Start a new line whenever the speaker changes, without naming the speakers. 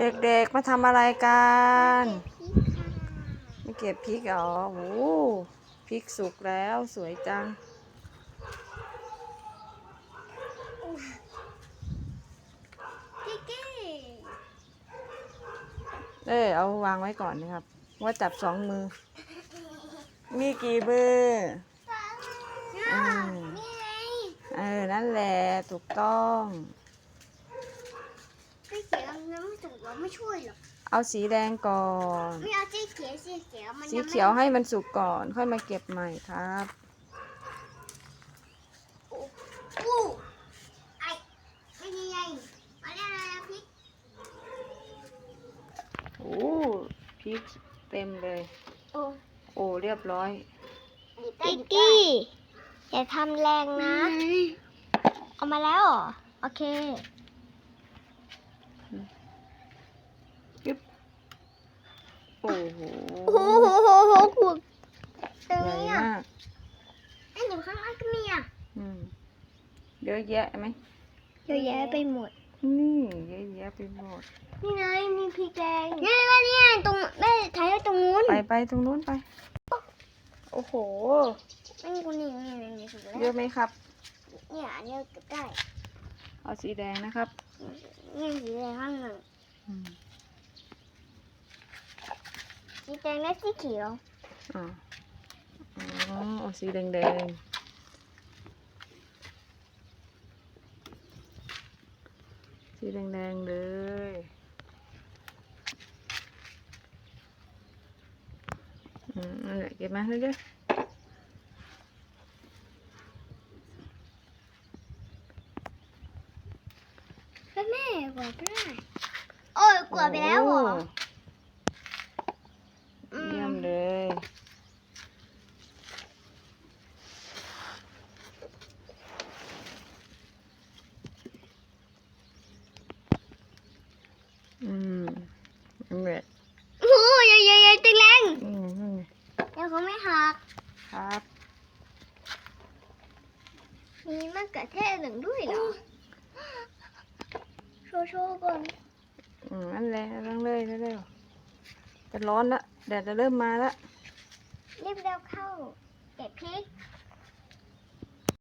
เด็กๆมาทำอะไรกัน
เก็บพริกค่ะ
ไม่เก็บพริกเหรอโอ้พริกสุกแล้วสวยจัง
พี่กี้
เอาวางไว้ก่อนนะครับว่าจับสองมือมีกี่มืออืม
นี่ไง
นั่นแหละถูกต้อง
พี่เขียวยังไม่ถูกเราไม่ช่วยหรอก
เอาสีแดงก่อน
ไม่เอาสีเขียวสีเขียวมัน
สี
ยังไม่
เขียวให้มันสุกก่อนค่อยมาเก็บใหม่ครับ
อู้ไอ้ไม่ยังไงมาเรียกอะไรนะพริก
โอ้พริกเต็มเลย
โอ้
โอ้เรียบร้อย
พี่กี้อย่าทำแรงนะเอามาแล้วเหรอโอเค
ยึบโอ้โห
โอ้โหขูดตรง
ใหญ่
นี้อ่ะ
มาก
ไอ้หนูข้างล่างก็มีอ่ะ
เยอะแยะไหม
เยอะแยะไปหมด
นี่เยอะแยะไปหมด
นี่ไงมีพริกแดงนี่ว่าเนี่ยตรงแม่ถ่ายไว้ตรงนู้น
ไปตรงนู้นไป โอ้โห
ไม่มีคนนี่ถูกแล้ว
เยอะไหมครับ
เนี่ยอันนี้เก็บได้
เอาสีแดงนะครับ
นี่สีแดงข้างหนึ่ง
อืม
สีแดงและสีเขียว
อ๋อเอาสีแดงสีแดงเลยนั่นแหละเก็บมาเรื่อย
แล้วแม่กวาดไปได้โอ้ย
ๆ
กวาดไปแล้วเหรอ
โเยี่ยมเลยนั่นแหละ
โอ้ยใหญ่ๆตึงแรง
นี่ไง
เดี๋ยวเขาไม่หัก
ครับ
มีมะเขือเทศหนึ่งด้วยเหรอโชว์ก่อน
นั่นแหละตั้งเลยเร็วๆจะร้อนละแดดจะเริ่มมาละ
รีบเร็วเข้าเก็บพริก